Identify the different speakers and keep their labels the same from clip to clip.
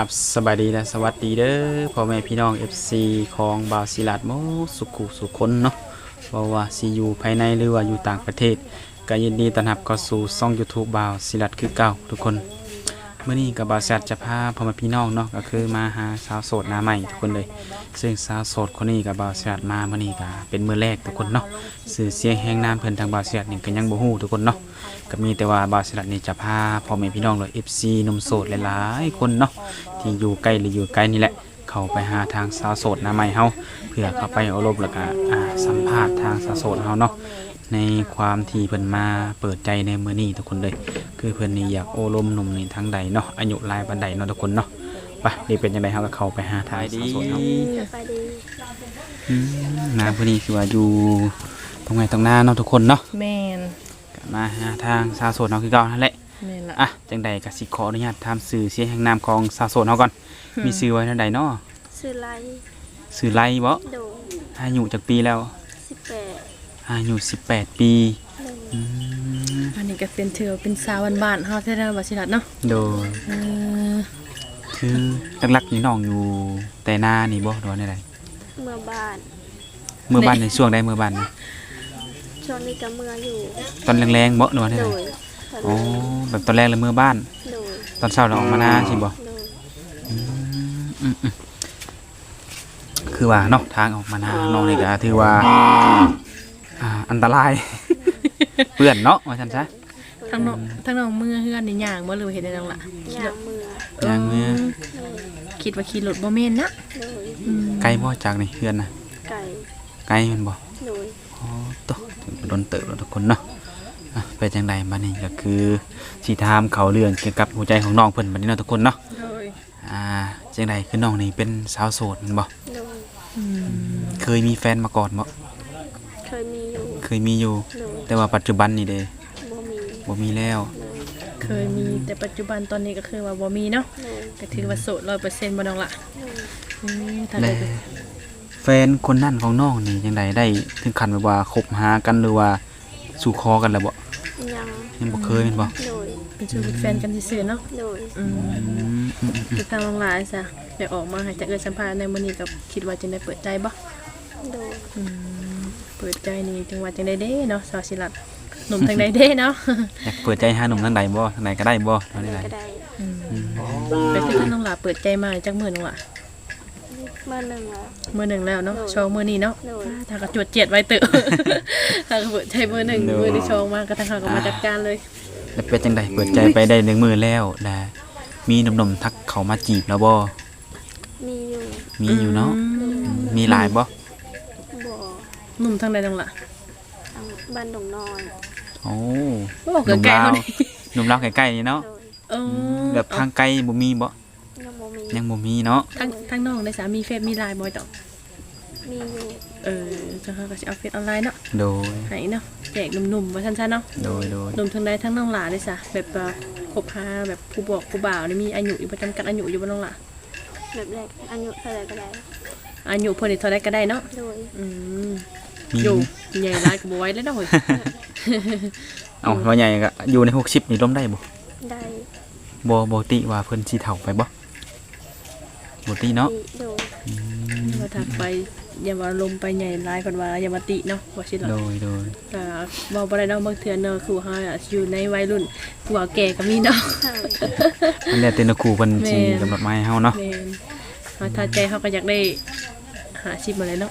Speaker 1: กับสบายดีและสวัสดีเด้อพ่อแม่พี่น้อง FC ของบาวศิลาดโมสุขุสุคนเนาะบ่ว่าสิอยู่ภายในหรือว่าอยู่ต่างประเทศก็ยินดีต้อนรับเข้าสู่ช่อง YouTube บาวศิลาดคือเก่าทุกคนเมื่อนี้กับบาวศิลาดจะพาพ่อแม่พี่น้องเนาะก็คือมาหาสาวโสดหน้าใหม่ทุกคนเลยซึ่งสาวโสดคนนี้กับบาวศิลาดมาเมื่อนี้ก็เป็นมื้อแรกทุกคนเนาะสื่อเสียงแห่งนามเพิ่นทางบาวศิลาดนี่ก็ยังบ่ฮู้ทุกคนเนาะ ก็มีแต่ว่าบาวศิลาดนี่จะพาพ่อแม่พี่น้องเลย FC หนุ่มโสดหลายๆคนเนาะที่อยู่ใกล้หรืออยู่ไกลนี่แหละเข้าไปหาทางสาวโสดหน้าใหม่เฮาเพื่อเข้าไปอบรมแล้วก็สัมภาษณ์ทางสาวโสดเฮาเนาะในความที่เพิ่นมาเปิดใจในมื้อนี้ทุกคนเลยคือเพิ่นนี่อยากอบรมหนุ่มนี่ทางใดเนาะอายุหลายปานใดเนาะทุกคนเนาะไปนี่เป็นจังไดเฮาก็เข้าไปหาทางสาวโสดเฮานามื้อนี้คือว่าอยู่ตรงไหนตรงหน้าเนาะทุกคนเนาะ
Speaker 2: แม่น
Speaker 1: มาหาทางสาวโสดเฮาคือเก่านั่นแหละ
Speaker 2: แม่นละ
Speaker 1: อ่ะจังใดก็สิขออนุญาตถามชื่อเสียงแห่งนามของสาวโสดเฮาก่อน มีชื่อไว้เท่าใดเนาะ
Speaker 3: ซื้อไล
Speaker 1: ชื่อไลบ่
Speaker 3: โดน
Speaker 1: อายุจักปีแล้ว
Speaker 3: 18
Speaker 1: อายุ18 ปีอืม
Speaker 2: อันนี้ก็เป็นถือว่าเป็นสาวบ้านๆเฮาแท้ๆบ่สิลัดเนาะ
Speaker 1: โดย
Speaker 2: เออ
Speaker 1: คือหลักๆนี่น้องอยู่แต่หน้านี่บ่หรือว่าใด
Speaker 3: เมื่อบ้าน
Speaker 1: เมื่อบ้านในช่วงใดเมื่อบ้านนี่
Speaker 3: ช่วงนี้ก็เมื่ออยู่
Speaker 1: ตอนแรงๆบ่หรือว่าใด
Speaker 3: โดย
Speaker 1: อ๋อแบบตอนแรกเลยเมื่อบ้าน
Speaker 3: โดย
Speaker 1: ตอนเช้าเราออกมาหน้าสิบ่
Speaker 3: โดย
Speaker 1: อืมคือว่าเนาะทางออกมาหน้าน้องนี่ก็ถือว่าอันตราย เปื้อนเนาะว่าซั่นซะ
Speaker 2: ทั้งน้องมือเฮือนนี่ย่างบ่หรือว่าเฮ็ดได้จังล่ะ
Speaker 3: ย่างเมื่อ
Speaker 1: ย่างมือ
Speaker 3: โดย
Speaker 2: คิดว่าขี่รถบ่แม่นนะ
Speaker 3: โดย
Speaker 2: อืม
Speaker 1: ไกลบ่จากนี่เพื่อนน่ะ
Speaker 3: ไก่
Speaker 1: ไกลแมันบ่
Speaker 3: โดย
Speaker 1: อ๋อตวโดนเติบแล้วทุกคนเนาะไปจังใดบัดนี้ก็คือสิถามเขาเรื่องเกี่ยวกับหัวใจของน้องเพิ่นบัดนี้เนาะทุกคนเนาะ
Speaker 2: โดย
Speaker 1: จังใดคือน้องนี่เป็นสาวโสดแม่นบ่
Speaker 3: โดย
Speaker 2: อืม
Speaker 1: เคยมีแฟนมาก่อนบ่
Speaker 3: เคยมีอยู่
Speaker 1: เคยมีอยู่
Speaker 3: โดย
Speaker 1: แต่ว่าปัจจุบันนี่เด้
Speaker 3: บ่มี
Speaker 1: บ่มีแล้ว
Speaker 3: โดย
Speaker 2: เคยมีแต่ปัจจุบันตอนนี้ก็คือว่าบ่มีเนาะ
Speaker 3: โดย
Speaker 2: ก็ถือว่าโสด 100%บ่น้องล่ะ
Speaker 3: โดย
Speaker 2: ถ้า
Speaker 1: และ
Speaker 2: ได้
Speaker 1: แฟนคนนั้นของน้องนี่จังใดได้ถึงขั้นแบบว่าคบหากันหรือว่าสู่คอกันแล้วบ่
Speaker 3: ยัง
Speaker 1: ยังบ่เคยแม่นบ่
Speaker 3: โดย
Speaker 2: เป็นชูเป็นแฟนกันซื่อๆเนาะ
Speaker 3: โดย
Speaker 2: อืม
Speaker 1: อืม
Speaker 2: คือทางน้องหลายซะได้ออกมาให้จักสัมภาษณ์ในมื้อนี้ก็คิดว่าจะได้เปิดใจบ่
Speaker 3: โดย
Speaker 2: อืมเปิดใจนี่จังหวัดจังไดเด้เนาะสาวศิลัดหนุ่มทางใดเด้เนาะ
Speaker 1: อยากเปิดใจหาหนุ่มทางใดบ่ทางใดก็ได้บ่ทาง
Speaker 3: ไหน
Speaker 1: ใด
Speaker 3: ก็ได้
Speaker 2: ไปคือท่านน้องหลาเปิดใจมาจักมื้อนึงล่ะ
Speaker 3: เมื่อหนึ่งแล้ว
Speaker 2: มื้อหนึงแล้วเนาะ
Speaker 3: โดย
Speaker 2: ชองมื้อนี้เนาะ
Speaker 3: โดย
Speaker 2: ถ้าก็จวดเจียดไว้เตอะ ถ้าก็เปิดใจมื้อหนึงมื้อที่ชองมาก็ทางเขาก็มาจัดการเลย
Speaker 1: แล้วเป็นจังใดเปิดใจไปได้1มื้อแล้วและมีหนุ่มๆทักเขามาจีบแล้วบ่
Speaker 3: มีอยู่
Speaker 1: มีอยู่เนาะ
Speaker 2: อืม
Speaker 1: มีหลายบ่
Speaker 3: บ่
Speaker 2: หนุ่มทางใดน้องล่ะ
Speaker 3: ทางบ้านดงน้อย
Speaker 1: โอ้
Speaker 2: โอ้เกิดใกล้
Speaker 1: ลา
Speaker 2: เฮาว นี่
Speaker 1: หนุ่มลาวใกล้ๆนี่เนาะ
Speaker 3: โดย
Speaker 2: เออ
Speaker 1: แบบทางไกลบ่มีบ่
Speaker 3: ยังบ่มี
Speaker 1: ยังบ่มีเนาะ
Speaker 2: ทางน้องได้สามีเฟซมีไลน์บ่จ้ะ
Speaker 3: มีอยู่
Speaker 2: จังเขาก็สิเอาเฟซออนไลน์เนาะ
Speaker 1: โดย
Speaker 2: ให้เนาะแจกหนุ่มๆว่าซั่นๆเนาะ
Speaker 1: โดย
Speaker 2: หนุ่มทางใดทั้งน้องหลาเลยจ้ะแบบว่าคบหาแบบผู้บอกผู้บ่าวนี่มีอายุอยู่ประจำกัดอายุอยู่บ่น้องหลา
Speaker 3: แบบแรกอายุเท่าไหร่ก็ได้
Speaker 2: อายุเพิ่นนี่เท่าใดก็ได้เนาะ
Speaker 3: โดย
Speaker 2: อืม
Speaker 1: มี
Speaker 2: อยู่ใหญ่ร้ายก็บ่ไหว้แล้วเนาะเฮ้ย
Speaker 1: เอ้าว่าใหญ่ก็อยู่ใน60นี่ล้มได้บ่
Speaker 3: ได้
Speaker 1: บ่ติว่าเพิ่นสิเฒ่าไปบ่บ่ติเนาะ
Speaker 3: มีโดย
Speaker 2: ว่าถ้าไปอย่าว่าลมไปใหญ่ร้ายเพิ่นว่าอย่ามาติเนาะว่าสิล่ะ
Speaker 1: โดย
Speaker 2: ก็เว้าบ่ได้เนาะบางเทื่อเนาะคือเฮาอะอยู่ในวัยรุ่นผู้ว่าแก่ก็มีเนาะ
Speaker 3: ใช่
Speaker 1: มันแล้วแต่นครูเพิ่นสิ
Speaker 2: แม่น
Speaker 1: กำหนดมาให้เฮาเนาะ
Speaker 2: แม่นเฮาถ้าใจเฮาก็อยากได้หาอาชีพมาเลยเนาะ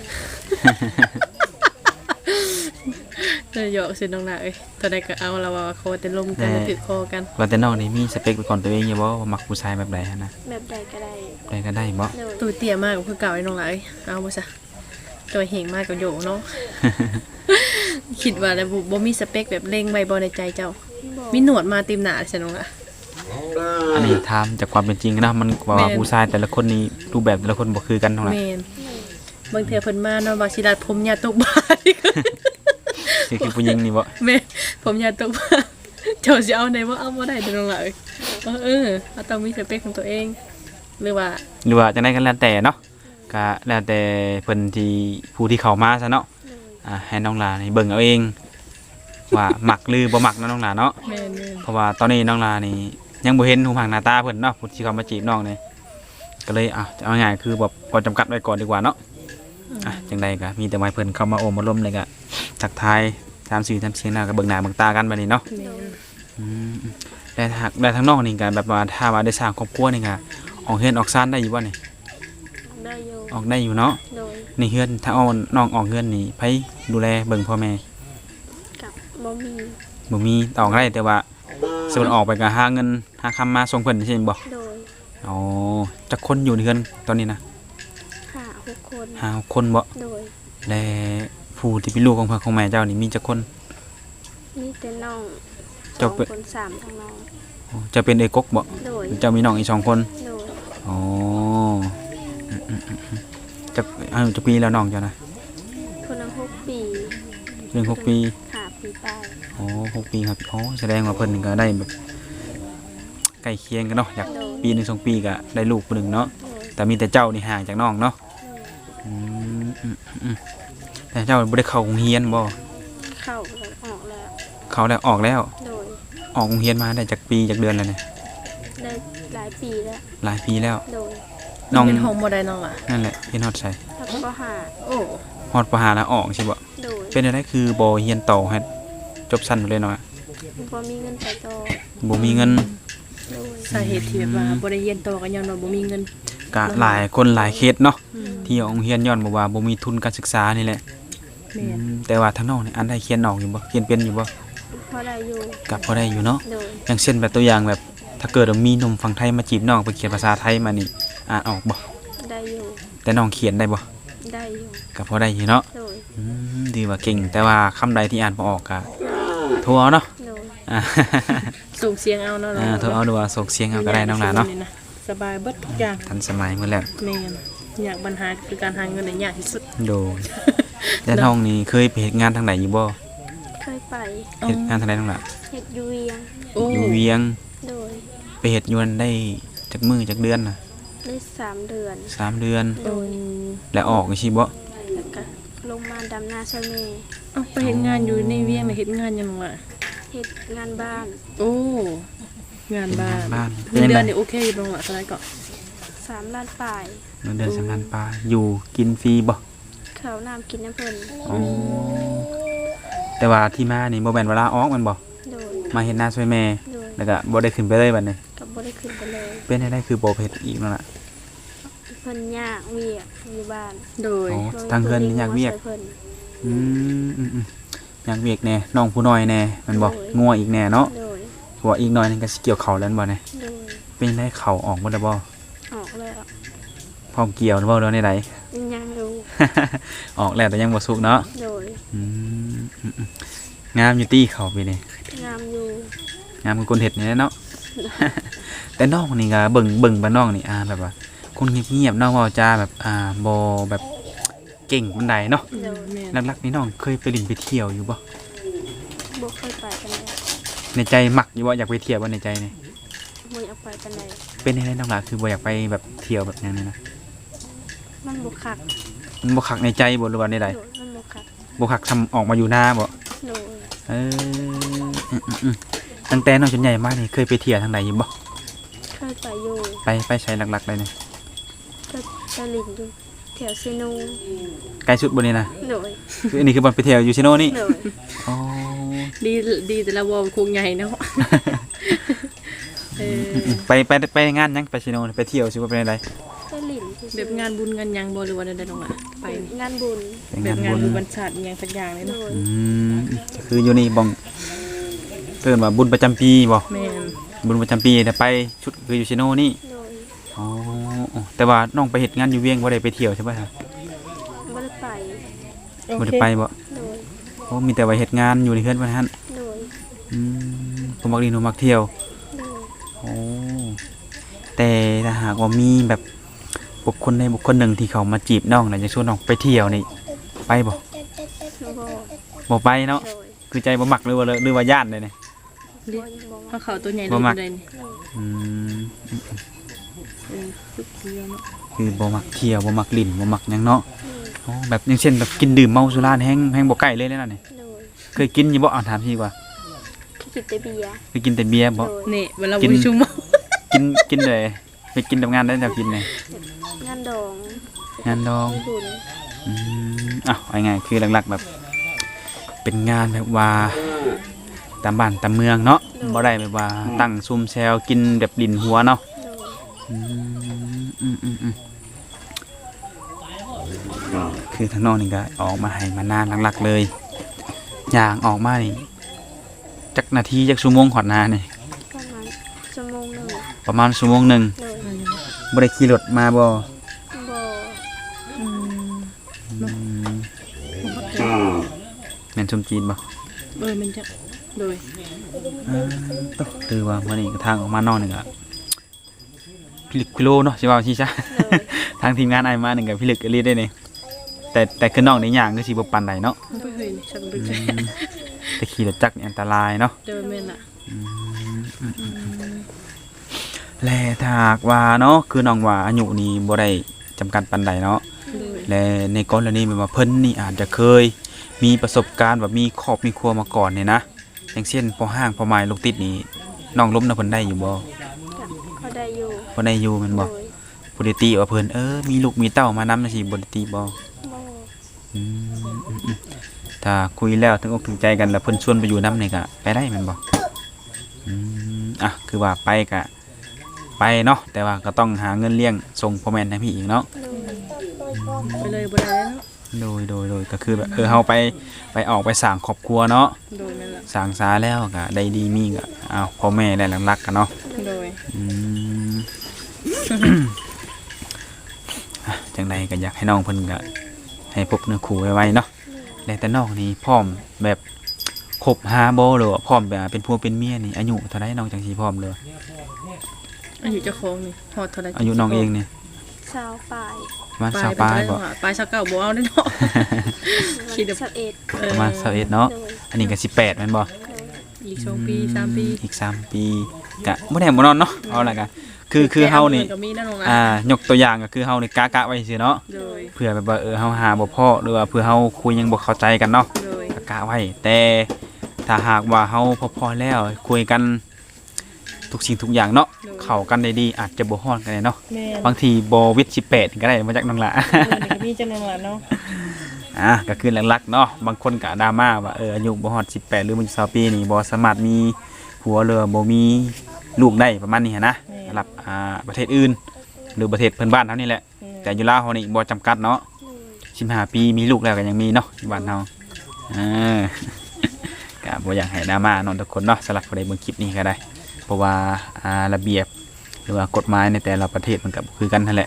Speaker 2: เลยหยอกสิน้องหลาเอ้ยตอนใดก็เอาเราว่าคอแต่ลมกันแล้วถือคอกัน
Speaker 1: ว่าแต่น้องนี่มีสเปคเป็นของตัวเองอยู่บ่ว่ามักผู้ชายแบบใดหันนะ
Speaker 3: แบบใดก็ได้
Speaker 1: ใดก็ได้บ่
Speaker 3: โดย
Speaker 2: ตัวเตี้ยมากก็คือเก่าไอ้น้องหลายเอาบ่ซะตัวเหงมากก็โยเนาะ คิดว่าแล้วบ่มีสเปคแบบเล็งไว้บ่ในใจเจ้า
Speaker 3: บ่
Speaker 2: มีหนวดมาเต็มหน้าใช่น้องล่ะ
Speaker 1: อันนี้ถามจากความเป็นจริงนะมันว่า
Speaker 2: แม่น
Speaker 1: ผู้ชายแต่ละคนนี่รูปแบบแต่ละคนบ่คือกันเท่าไหร่
Speaker 2: แม่นบางเทื่อเพิ่นมาเนาะว่าสิรัดผมยาตกบาด
Speaker 1: คือผู้หญิงนี่บ่
Speaker 2: แม่ผมยาตกบาดเจ้าสิเอาไหนบ่เอาบ่ได้เด้อน้องล่ะเราต้องมีสเปคของตัวเองหรือว่า
Speaker 1: หรือว่าจังได๋ก็แล้วแต่เนาะก็แล้วแต่เพิ่นที่ผู้ที่เข้ามาซะเนาะให้น้องหลานี่เบิ่งเอาเอง ว่ามักหรือบ่มักเนาะน้องหลาเนาะ
Speaker 2: แม่น
Speaker 1: เพราะว่าตอนนี้น้องหลานี่ยังบ่เห็นหูผังหน้าตาเพิ่นเนาะผู้ที่เขามาจีบน้องนี่ก็เลยจะเอาง่ายคือแบบพอจำกัดไว้ก่อนดีกว่าเนาะจังใดก็มีแต่ว่าเพิ่นเข้ามาโอมมาล้มเลยก็ทักทายตามสื่อตามเสียงหน้าก็เบิ่งหน้าเบิ่งตากันบัดนี้เนาะ
Speaker 2: แม่น
Speaker 1: แต่หากได้ทางน้องนี่ก็แบบว่าถ้าว่าได้สร้างครอบครัวนี่ก็ออกเฮือนออกซ่านได้อยู่บ่นี่
Speaker 3: ได้อยู่
Speaker 1: ออกได้อยู่เนาะ
Speaker 3: โดย
Speaker 1: นี่เฮือนถ้าเอาน้องออกเฮือนนี่ไผดูแลเบิ่งพ่อแม่
Speaker 3: กับบ่มี
Speaker 1: บ่มีออกได้แต่ว่าสมมุติออกไปก็หาเงินหาคำมาส่งเพิ่นใช่บ่
Speaker 3: โดย
Speaker 1: อ๋อจักคนอยู่ในเฮือนตอนนี้นะ
Speaker 3: 5-6 คน
Speaker 1: 5 คนบ่
Speaker 3: โดย
Speaker 1: และผู้ที่เป็นลูกของพ่อของแม่เจ้านี่มีจักคน
Speaker 3: มีแต่น้อง
Speaker 1: เจ้าเป็น
Speaker 3: 2 คน3ทั้งน้อง
Speaker 1: อ๋อจะเป็นเอกกบ่
Speaker 3: โดย
Speaker 1: เจ้ามีน้องอีก2คน
Speaker 3: โดย
Speaker 1: อ๋อจักอายุจักปีแล้วน้องเจ้านะ
Speaker 3: คนละ6 ปี
Speaker 1: เรื่อง6 ปี
Speaker 3: 5 ปีไป
Speaker 1: อ๋อ6 ปีครับอ๋อแสดงว่าเพิ่นก็ได้แบบใกล้เคียงกันเนาะอยาก
Speaker 3: โดย
Speaker 1: ปีหนึง2 ปีก็ได้ลูกคนหนึงเนาะ
Speaker 3: โดย
Speaker 1: แต่มีแต่เจ้านี่ห่างจากน้องเนาะ
Speaker 3: โดย
Speaker 1: อืมแต่เจ้าบ่ได้เข้าโรงเรียนบ่
Speaker 3: เข้าแล้วออกแล้ว
Speaker 1: เข้าแล้วออกแล้ว
Speaker 3: โดย
Speaker 1: ออกโรงเรียนมาได้จากปีจากเดือนแล้วเนี่ย
Speaker 3: ได้หลายปีแล้ว
Speaker 1: หลายปีแล้ว
Speaker 3: โดย
Speaker 1: น้อง
Speaker 2: เป็นห้องบ่ได้น้องล่ะ
Speaker 1: นั่นแหละเรียนฮอดใส่
Speaker 3: แล้วก็หา
Speaker 2: โอ้
Speaker 1: ฮอดปหาแล้วออกใช่บ่
Speaker 3: โดย
Speaker 1: เป็นอะไรคือบ่เรียนต่อให้จบสั้นไปเลยเนาะ
Speaker 3: บ่มีเงินไปต่อ
Speaker 1: บ่มีเงิน
Speaker 3: โดย
Speaker 2: สาเหตุที่แบบว่าบ่ได้เรียนต่อก็ย้อนว่าบ่มีเงิน
Speaker 1: ก็หลายคนหลายเคสเนาะ
Speaker 2: อืม
Speaker 1: ที่ออกโรงเรียนย้อนบอกว่าบ่มีทุนการศึกษานี่แหละ
Speaker 2: แม่น
Speaker 1: แต่ว่าทางน้องนี่อันได้เขียนออกอยู่บ่เขียนเป็นอยู่บ่
Speaker 3: พอได้อยู่
Speaker 1: ก็พอได้อยู่เนาะ
Speaker 3: โดย
Speaker 1: อย่างเช่นแบบตัวอย่างแบบถ้าเกิดว่ามีหนุ่มฝั่งไทยมาจีบน้องไปเขียนภาษาไทยมานี่อ่านออกบ่
Speaker 3: ได้อยู่
Speaker 1: แต่น้องเขียนได้บ่
Speaker 3: ได้อยู่
Speaker 1: ก็พอได้อยู่เนาะ
Speaker 3: โดย
Speaker 1: ดีว่าเก่งแต่ว่าคำใดที่อ่านบ่ออกก็โทรเอาเนาะ
Speaker 3: โดย
Speaker 1: อ่า
Speaker 2: ส่งเสียงเอาเนาะ
Speaker 1: โทรเอาดูว่าส่งเสียงเอาก็ได้น้องหลานเนาะ
Speaker 2: สบายเบิดทุกอย่าง
Speaker 1: ทันสมัยหมดแล้ว
Speaker 2: แม่นอยากปัญหาคือการหาเงินได้ยากที่สุด
Speaker 1: โดยแต่น้องนี่เคยไปเฮ็ดงานทางไหนอยู่บ่
Speaker 3: เคยไป
Speaker 1: เฮ็ดงานทางไหนน้องหล่ะ
Speaker 3: เฮ็ดอยู่เวียง
Speaker 2: โอ้
Speaker 1: อยู่เวียง
Speaker 3: โดย
Speaker 1: ไปเฮ็ดอยู่นั่นได้จักมื้อจักเดือนน่ะ
Speaker 3: ได้3 เดือน
Speaker 1: 3 เดือน
Speaker 3: โดย
Speaker 1: แล้วออกจังซี่บ่
Speaker 3: แล้วก็ลงมาดำนาช่วยแม่
Speaker 2: เอ้าไปเฮ็ดงานอยู่ในเวียงน่ะเฮ็ดงานหยังวะ
Speaker 3: เฮ็ดงานบ้าน
Speaker 2: โอ้งานบ้าน
Speaker 1: บ้าน
Speaker 2: เงินเดือนนี่โอเคอยู่บ่วะเท่าไหร่ก็
Speaker 3: 3 ล้านปลาย
Speaker 1: เงินเดือนสำคัญปลาอยู่กินฟรีบ่
Speaker 3: ข้าวน้ำกินน้ำเพิ่น
Speaker 1: อ๋อแต่ว่าที่มานี่บ่แม่นเวลาออกแมันบ่
Speaker 3: โดย
Speaker 1: มาเฮ็ดนาช่วยแม่
Speaker 3: โดย
Speaker 1: แล้วก็บ่ได้ขึ้นไปเลยบัดนี้
Speaker 3: ก็บ่ได้ขึ้นไปเลย
Speaker 1: เป็นได้คือบ่ไปเฮ็ดอีกนั่นล่ะ
Speaker 3: เพิ่นยากเวียกอยู่บ้าน
Speaker 2: โดย
Speaker 1: อ๋อทางเพิ่นนี่อยากเวียก
Speaker 3: เพิ่น
Speaker 1: อืมอยากเวียกแน่น้องผู้น้อยแน่แมันบ่
Speaker 3: โอ้ย
Speaker 1: งัวอีกแน่เนาะ
Speaker 3: โดย
Speaker 1: เพราะว่าอีกหน่อยนึงก็สิเกี่ยวข้าวแล้วแม่นบ่เนี่ย
Speaker 3: โดย
Speaker 1: เป็นได้ข้าวออกบ่ได้บ่
Speaker 3: ออกแล้ว
Speaker 1: พร้อมเกี่ยวบ่แล้วในใด
Speaker 3: ยังอยู่
Speaker 1: ออกแล้วแต่ยังบ่สุกเนาะ
Speaker 3: โดย
Speaker 1: อืมงามอยู่ตี้เขาไปนี่
Speaker 3: งามอยู่
Speaker 1: งามคือคนเฮ็ดนี่แหละเนาะ แต่น้องนี่ก็เบิ่งบ้านน้องนี่แบบว่าคนเงียบๆเนาะเว้าจาแบบบ่แบบเก่งปานใดเนาะ
Speaker 3: โดย
Speaker 2: แม่น
Speaker 1: หลักๆนี่น้องเคยไปเลินไปเที่ยวอยู่บ่
Speaker 3: บ่เคยไปกันเลย
Speaker 1: ในใจมักอยู่บ่อยากไปเที่ยวบ่ในใจนี่
Speaker 3: บ่อยากไปกันเลย
Speaker 1: เป็นจังไดน้องล่ะคือบ่อยากไปแบบเที่ยวแบบนั้นนะ
Speaker 3: มันบ่คัก
Speaker 1: มันบ่คักในใจบ่หรือว่าในใด
Speaker 3: โดยมันบ่คัก
Speaker 1: บ่คักทำออกมาอยู่หน้าบ่
Speaker 3: โดย
Speaker 1: เออตั้งแต่น้องจนใหญ่มานี่เคยไปเที่ยวทางไหนอยู่บ่
Speaker 3: เคยไปอยู่
Speaker 1: ไปใช้หลักๆเลยนี่
Speaker 3: ก็ไปลินอยู่แถวเซโน
Speaker 1: ไกลสุดบ่นี่นะ
Speaker 3: โดย
Speaker 1: คืออันนี้คือบ่อนไปเที่ยวอยู่ซิโนนี่
Speaker 3: โดย
Speaker 1: อ๋อ
Speaker 2: ดีแต่ละวอลคงใหญ่เนาะเออ
Speaker 1: ไปงานยังไปซิโนนี่ไปเที่ยวสิว่าเป็นอะไร
Speaker 3: ไปลิน
Speaker 2: แบบงานบุญงานหยังบ่หรือว่าใดๆน้องล่ะไปนี่
Speaker 3: งานบุญ
Speaker 1: ไป
Speaker 2: แบ
Speaker 1: งา
Speaker 2: บ
Speaker 1: น
Speaker 2: งาน
Speaker 1: บุญ
Speaker 2: บุญบรรชาติอิหยังสักอย่างเลย
Speaker 3: โด
Speaker 2: เนาะ
Speaker 3: ย
Speaker 1: คืออยู่นี่บ่งเพิ่นว่าบุญประจำปีบ่
Speaker 2: แม่น
Speaker 1: บุญประจำปีแต่ไปชุดคืออยู่ซิโนนี่
Speaker 3: โดย
Speaker 1: อ๋อแต่ว่าน้องไปเฮ็ดงานอยู่เวียงบ่ได้ไปเที่ยวใช่ป่ะครับ
Speaker 3: บ่ได้ไป
Speaker 1: บ่ได้ไปบ่
Speaker 3: โดย
Speaker 1: โอ้มีแต่ว่าเฮ็ดงานอยู่ในเฮือนว่าซั่น
Speaker 3: โดย
Speaker 1: ผมมักดีหนูมักเที่ยว
Speaker 3: โดย
Speaker 1: โอ้แต่ถ้าหากว่ามีแบบบุคคลใดบุคคลหนึ่งที่เขามาจีบน้องน่ะจะชวนน้องไปเที่ยวนี่ไปบ่
Speaker 3: บ่
Speaker 1: บ่ไปเนาะ
Speaker 3: โดย
Speaker 1: คือใจบ่มักหรือว่าย่านเลยนี่
Speaker 3: บ่บ่
Speaker 2: เพราะเขาตัวใหญ่
Speaker 1: บ่
Speaker 2: เลย
Speaker 1: มัก
Speaker 2: เลยนี่
Speaker 1: อืม
Speaker 2: สุดเดียวเนาะ
Speaker 1: คือบ่มักเที่ยวบ่มักลิ้นบ่มักหยังเนาะ
Speaker 3: โดย
Speaker 1: อ๋อแบบอย่างเช่นแบบกินดื่มเมาสุรานี่แฮงบ่ใกล้เลยนั่นน่ะนี่
Speaker 3: โดย
Speaker 1: เคยกินอยู่บ่ถามพี่ดีกว่า
Speaker 3: กินแต่เบียร์
Speaker 1: ไปกินแต่เบียร์บ่
Speaker 3: โดย
Speaker 2: นี่เวลาบ่มีชั่วโมง
Speaker 1: กินเลยไปกินทำงานได้แนวกินเลย
Speaker 3: งานดอง
Speaker 1: งานดอง
Speaker 3: มีบุญ
Speaker 1: อ้าวเอาไงคือหลักๆแบบ เป็นงานแบบว่าตามบ้านตามเมืองเนาะบ่ได้แบบว่าตั้งซุ่มแซวกินแบบดินหัวเนาะ
Speaker 3: โดย
Speaker 1: อืมคือทางนอกนี่ก็ออกมาให้มานานหลักๆเลยอย่างออกมานี่จักนาทีจักชั่วโมงขอดนานี่
Speaker 3: ประมาณชั่วโมงหนึ่ง
Speaker 1: ประมาณชั่วโมงหนึ่ง
Speaker 3: โดย
Speaker 1: บ่ได้ขี่รถมาบ่
Speaker 3: บ่
Speaker 2: อืม
Speaker 1: แม่นชมจีนบ่
Speaker 2: มันจะโดย
Speaker 1: ต้องคือว่าวันนี้ก็ทางออกมานอกนี่ก็พิลึกพิโลเนาะสิว่าสิซะ ทางทีมงานไอ้มาหนึ่งกับพิลึกอลีได้นี่แต่คือน้องในอย่างก็สิบ่ปานใดเนาะ
Speaker 2: บ่เคยนี่ฉันบ่เคย
Speaker 1: แต่ขี่รถจักรนี่อันตรายเนาะ
Speaker 2: เดินแม่นล่ะ
Speaker 1: และถ้าหากว่าเนาะคือน้องว่าอายุนี่บ่ได้จำกัดปานใดเนาะ
Speaker 2: โดย
Speaker 1: และในกรณีแบบว่าเพิ่นนี่อาจจะเคยมีประสบการณ์แบบมีครอบมีครัวมาก่อนเนี่ยนะอย่างเช่นพอห้างพอไม้ลูกติดนี่น้องล้มนะเพิ่นได้อยู่บ่
Speaker 3: ก็เขาได้อยู่
Speaker 1: บ่ได้อยู่แม่นบ่
Speaker 3: โดย
Speaker 1: บ่ได้ติว่าเพิ่นมีลูกมีเต้ามานำจังซี่บ่ได้ติบ่
Speaker 3: บ่
Speaker 1: อืมถ้าคุยแล้วถึงอกถึงใจกันแล้วเพิ่นชวนไปอยู่นำนี่ก็ไปได้แม่นบ่อ่ะคือว่าไปก็ไปเนาะแต่ว่าก็ต้องหาเงินเลี้ยงส่งพ่อแม่ให้พี่อีกเนาะ
Speaker 3: โดย
Speaker 2: ไปเลยบ่ได้แล้วเนาะ
Speaker 1: โดยก็คือแบบเฮาไปออกไปสร้างครอบครัวเนาะ
Speaker 2: โดยแม่นล่ะ
Speaker 1: สร้างสาแล้วก็ได้ดีมีก็อ้าวพ่อแม่ได้รักกันเนาะ
Speaker 2: โดย
Speaker 1: อืม อ่ะจังใดก็อยากให้น้องเพิ่นก็ให้พบเนื้อคู่ไว้ๆเนาะแต่น้องนี่พร้อมแบบคบหาบ่หรือว่าพร้อมแบบเป็นผัวเป็นเมียนี่อายุเท่าใดน้องจังสิพร้อมเลย
Speaker 2: อายุเจ้าของนี่ฮอดเท่าใด
Speaker 1: อายุน้องเองนี่
Speaker 3: สาวปลาย
Speaker 1: ประมาณ
Speaker 2: ปลาย
Speaker 1: สาวปลายบ่
Speaker 2: ปลาย29บ่เอาได้เนาะ คิดแบบ
Speaker 3: 21
Speaker 1: ประมาณ21เนาะ
Speaker 3: โดย
Speaker 1: อันนี้ก็18แม่นบ่
Speaker 3: โดย
Speaker 2: อีก2ปี3ปี
Speaker 1: อีก3ปีก็บ่แน่บ่นอนเนาะเอาล่ะก็คือเฮานี่
Speaker 2: ก็มีนั่นลงนะ
Speaker 1: ยกตัวอย่างก็คือเฮานี่กะไว้ซื่อเนาะ
Speaker 2: โดย
Speaker 1: เพื่อแบบว่าเฮาหาบ่พอหรือว่าเพื่อเฮาคุยยังบ่เข้าใจกันเนาะ
Speaker 2: โดย
Speaker 1: ก็กะไว้แต่ถ้าหากว่าเฮาพอแล้วคุยกันทุกสิ่งทุกอย่างเนาะเข้ากันได้ดีอาจจะบ่ฮ้อนกันเลยเนาะ
Speaker 2: แม่น
Speaker 1: บางทีบ่วิทย์18ก็ได้มาจากน้องละ
Speaker 2: ก็มีจังนึงล่ะเนาะ
Speaker 1: ก็คือหลักๆเนาะบางคนก็ดราม่าว่าอายุบ่ฮอด18หรือมัน20ปีนี่บ่สามารถมีผัวหรือบ่มีลูกได้ประมาณนี้หั้นนะสำหรับประเทศอื่นหรือประเทศเพื่อนบ้านเฮานี่แหละ แต่อยู่ลาวเฮานี่บ่จำกัดเนาะ
Speaker 3: โดย
Speaker 1: 15 ปีมีลูกแล้วก็ยังมีเนาะอยู่บ้านเฮาก็บ่อยากให้ดราม่าเนาะทุกคนเนาะสำหรับผู้ใดเบิ่งคลิปนี้ก็ได้ เพราะว่าระเบียบหรือว่ากฎหมายในแต่ละประเทศมันก็บ่คือกันนั่นแหละ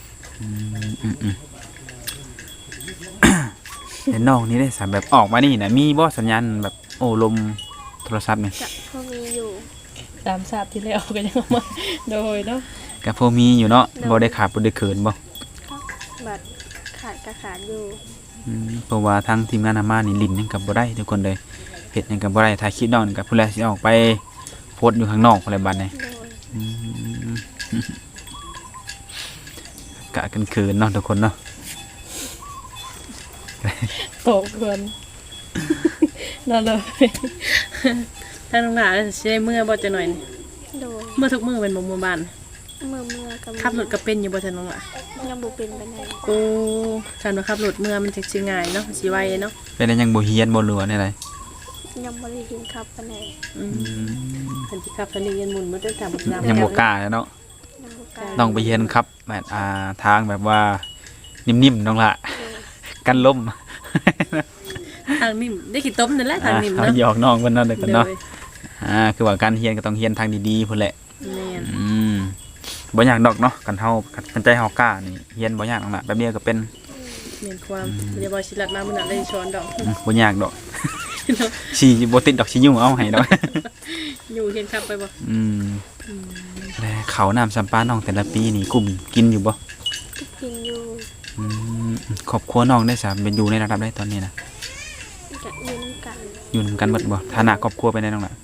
Speaker 1: แต่น้องนี่ได้สามแบบออกมานี่นะมีบ่สัญญาณแบบโอ้ลมโทรศัพท์นี่
Speaker 3: จะพอมีอยู่
Speaker 2: ตามทราบที่แล้วก็ยังเอามาโดยเนาะ
Speaker 1: ก็พอมีอยู่เนาะบ่ได้ขาดบ่ได้เขินบ่
Speaker 3: บัตรขาดก็ขาดอยู่
Speaker 1: เพราะว่าทางทีมงานอาม่านี่ลิ้นยังกับบ่ได้ทุกคนเลยเฮ็ดหยังกับบ่ได้ถ่ายคลิปน้องนี่กับผู้แลสิออกไปโพสต์อยู่ข้างนอกอะไรบัดนี้
Speaker 3: โดย
Speaker 1: กะกันเขินเนาะทุกคนเนาะ
Speaker 2: โตเกินนั่นเลยถ้าน้องหลาจะได้เมื่อบ่จะหน่อยนี่
Speaker 3: โดย
Speaker 2: เมื่อทุกมื้อเป็นบ่มื้อบ้าน
Speaker 3: เมื่อกับ
Speaker 2: ขับรถก็เป็นอยู่บ่จะน้องหลา
Speaker 3: ยังบ่เป็นปานใด
Speaker 2: โอ้ฉันว่าขับรถเมื่อมันจะสิง่ายเนาะสิไวเนาะ
Speaker 1: เป็นได้ยังบ่เฮียนบ่รู้ว่าได้ไร
Speaker 3: ยังบ่ได้เห็นครับปานใด
Speaker 2: คันสิขับคันนี้ยันหมุนบ่ได้ตามตาม
Speaker 1: ยังบ่กล้าเลยเนาะ
Speaker 3: ยังบ่กล้า
Speaker 1: ต้องไปเฮียนครับแบบทางแบบว่านิ่มๆน้องละกันล้ม
Speaker 2: ทางนิ่มได้ขี้ต้มนั่นแหละทางนิ่ม
Speaker 1: เอา
Speaker 2: เนาะ
Speaker 1: หยอกน้องเพิ่นเนาะเด็กกัน
Speaker 2: โด
Speaker 1: เนาะ
Speaker 2: ย
Speaker 1: คือว่าการเฮียนก็ต้องเฮียนทางดีๆพุ่นแหละ
Speaker 2: แม่น
Speaker 1: บ่ยากดอกเนาะกันเฮากันใจเฮากล้านี่เฮียนบ่ยากน้องละแป๊บเดียวก็เป็น
Speaker 2: แม่นความเดี๋ยวบ่สิลัดมามื้อนั้นได้ช้อนดอก
Speaker 1: บ่ยากดอกสิบ่ติดดอกสิยุ่งเอาให้ดอก
Speaker 2: อยู่เฮียนขับไปบ่
Speaker 1: แล้วข้าวน้ำสัมปาน้องแต่ละปีนี่กลุ่มกินอยู่บ่
Speaker 3: กินอยู่
Speaker 1: ครอบครัวน้องได้สามเป็นอยู่ในระดับได้ตอนนี้นะ
Speaker 3: จะยืนกัน
Speaker 1: อยู่นำกันหมดบ่ฐานะครอบครัวไปได้น้องล่ะ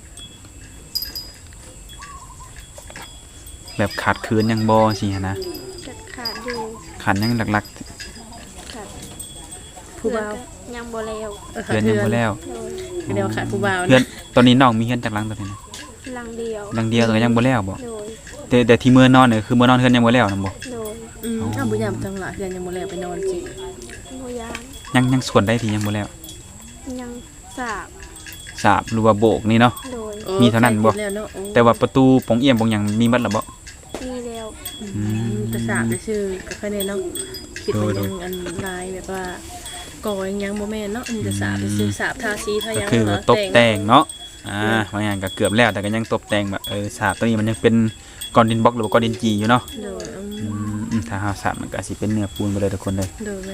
Speaker 1: แบบขาดเคินยังบ่สิหั้นนะ
Speaker 3: จะขาดอยู่
Speaker 1: ขาดยังหลัก
Speaker 3: ขาด
Speaker 2: ผู้บ่าว
Speaker 3: เพื่อนก็ยังบ่แล้ว
Speaker 1: เพื่อนยังบ่แล้ว
Speaker 3: โดย
Speaker 2: ก็เรียกว่าขาดผู้บ่าว
Speaker 1: เพื่อน
Speaker 2: นะ
Speaker 1: ตอนนี้น้องมีเฮือนจากหลังตัวนี้นะ
Speaker 3: หลังเดียว
Speaker 1: หลังเดียวก็ยังบ่แล้วบ่
Speaker 3: โดย
Speaker 1: แต่ที่มื้อนอนเนี่ยคือมื้อนอนเฮือนยังบ่แล้วนำบ่
Speaker 3: โดย
Speaker 2: อ้าวบ่ยามจังหลายเพื่อนยังบ่แล้วไปนอนจิ
Speaker 3: บ่ยาน
Speaker 1: ยังส่วนได้ที่ยังบ่แล้ว
Speaker 3: ยังสาบ
Speaker 1: สาบหรือว่าโบกนี่เนาะ
Speaker 3: โดย
Speaker 1: มีเท่านั้นบ่
Speaker 2: ใครคิดแล้วเนาะโอ้
Speaker 1: แต่ว่าประตูปงเอี่ยมปงหยังมีหมดแล้วบ่
Speaker 3: มีแล้ว
Speaker 2: จะสาบจะชื่อก็ค่อยแน่เนาะคิดว่า
Speaker 1: โด
Speaker 2: ยั
Speaker 1: ย
Speaker 2: งอันลายแบบว่าก่อยังบ่แม่นเนาะอันจะสาบจะชื่อสาบทาสีทา
Speaker 1: ก็
Speaker 2: ยัง
Speaker 1: คือ
Speaker 2: เนาะ
Speaker 1: ตกแต่งเนาะบางอย่างก็เกือบแล้วแต่ก็ยังตกแต่งแบบสาบตัวนี้มันยังเป็นก้อนดินบล็อกหรือว่าก้อนดินจีอยู่เนาะ
Speaker 2: โดย
Speaker 1: ถ้าเฮาสาบมันก็สิเป็นเนื้อปูนไปเลยทุกคนเลย
Speaker 2: โดยเลย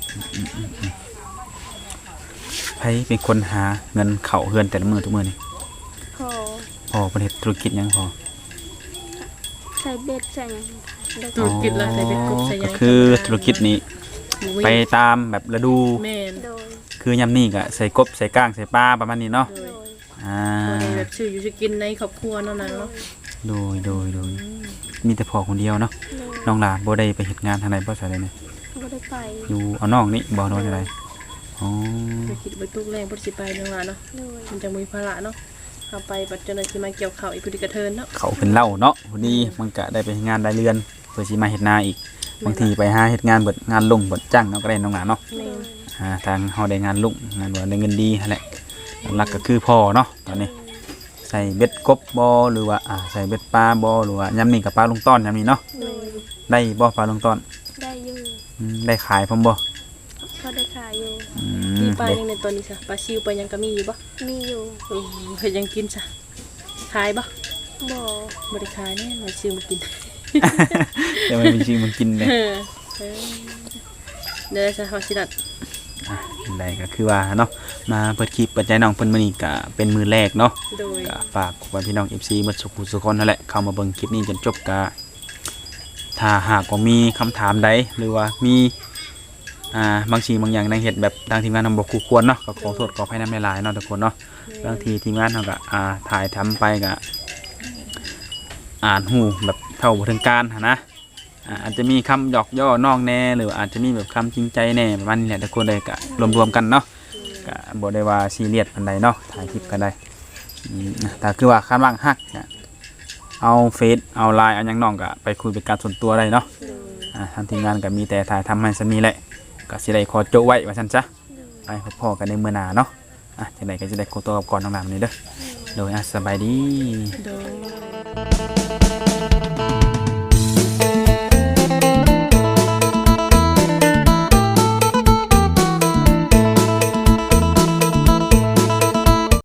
Speaker 1: ไผเป็นคนหาเงินเข้าเฮือนแต่ละมื้อทุกมื้อนี่
Speaker 3: พอ
Speaker 1: พอประเทศธุรกิจหยังพอ
Speaker 3: ใส่เบ็ดใส่หยังได้
Speaker 2: ธุรกิจละใส่เป็นกบใส่หยั
Speaker 1: ก็
Speaker 2: ง
Speaker 1: คือธุรกิจนี้
Speaker 2: หมูวิ่ง
Speaker 1: ไปตามแบบฤดู
Speaker 2: แม่น
Speaker 3: โดย
Speaker 1: คือยามนี้ก็ใส่กบใส่ก้างใส่ปลาประมาณนี้เนาะ
Speaker 2: โด
Speaker 3: โด
Speaker 2: ย
Speaker 3: ย
Speaker 1: อ่า
Speaker 2: บ่ได้แบบชื่ออยู่สิกินในครอบครัวเนาะนางเนาะ
Speaker 1: โดยมีแต่พ่อคนเดียวเนาะ
Speaker 3: โดย
Speaker 1: น้องหลานบ่ได้ไปเฮ็ดงานทางใดบ่ใช่เลยเนี่ย
Speaker 3: บ่ได้ไป
Speaker 1: อยู่เอาน้องนี่บ่นอนจังไดอ๋อ
Speaker 2: ไปคิดไปตุกแรงบ่สิไปเนาะว่าเนาะ
Speaker 3: โดย
Speaker 2: มันจะมีภาระเนาะเอาไปปัจจุบันที่มาเกี่ยวข้าวอีกพอดีกระเทินเนาะ
Speaker 1: เขาเป็นเล่าเนาะพอดีมันก็ได้ไปเฮ็ดงานได้เรือนเพื่อสิมาเฮ็ดนาอีกบางทีไปหาเฮ็ดงานเบิดงานลงเบิดจ้างเนาะก็ได้น้องหลานเนาะ
Speaker 2: แม่น
Speaker 1: ทางเฮาได้งานลุ่งงานว่าได้เงินดีนั่นแหละหลักก็คือพ่อเนาะตอนนี้ใส่เบ็ดกบบ่หรือว่าใส่เบ็ดปลาบ่หรือว่ายามนี้ก็ปลาลุงต้อนยามนี้เนาะ
Speaker 3: โดย
Speaker 1: ได้บ่ปลาลุงต้อน
Speaker 3: ได้อยู่
Speaker 1: ได้ขายพร้อมบ่
Speaker 3: พอได้ขายอยู่
Speaker 2: มีปลา
Speaker 1: เด็ก
Speaker 2: ยังในตัวนี้ซะปลาซิวปลายังก็มีอยู่บ่
Speaker 3: มีอยู่
Speaker 2: เฮ็ดยังกินซะขายบ่
Speaker 3: บ่
Speaker 2: บ่ได้ขายแน่มาซื้อมากิน
Speaker 1: แต่มันมีจริงมันกินเลย
Speaker 2: เออเดี๋ยวจะเฮาสิดัด
Speaker 1: ได้ก็คือว่าเนาะมาเปิดคลิปเปิดใจน้องเพิ่นมื้อนี้ก็เป็นมื้อแรกเนาะ
Speaker 2: โดย
Speaker 1: ก็ฝากพี่น้อง FC หมดสุขสุขคนนั่นแหละเข้ามาเบิ่งคลิปนี้จนจบก็ถ้าหากว่ามีคำถามใดหรือว่ามีบางสิ่งบางอย่างในเหตุแบบทางทีมงานทำบ่คู่ควรเนาะก็ขอโทษขออภัยนำหลายๆเนาะทุกคนเนาะบางทีทีมงานเฮาก็ถ่ายทำไปก็อ่านหูแบบเท่าบ่ถึงการหันนะอาจจะมีคำหยอกย่อน้องแน่หรืออาจจะมีแบบคำจริงใจแน่ประมาณนี้แหละทุกคนเลยก็รวมๆกันเนาะก็บ่ได้ว่าซีเรียสปานใดเนาะถ่ายคลิปกันได้แต่คือว่าคันว่างฮักเนี่ยเอาเฟซเอาไลน์เอาหยังน้องก็ไปคุยเป็นการส่วนตัวได้เนาะทางทีมงานก็มีแต่ถ่ายทำให้ซันนี่แหละก็สิได้ขอโจไว้ว่าซั่นซะไปพบกันในมื้อหน้าเนาะจังได๋ก็สิได้ขอตัวกลับก่อนน้องหลานมื้อนี้เด้อโดยสบายดี
Speaker 2: โดย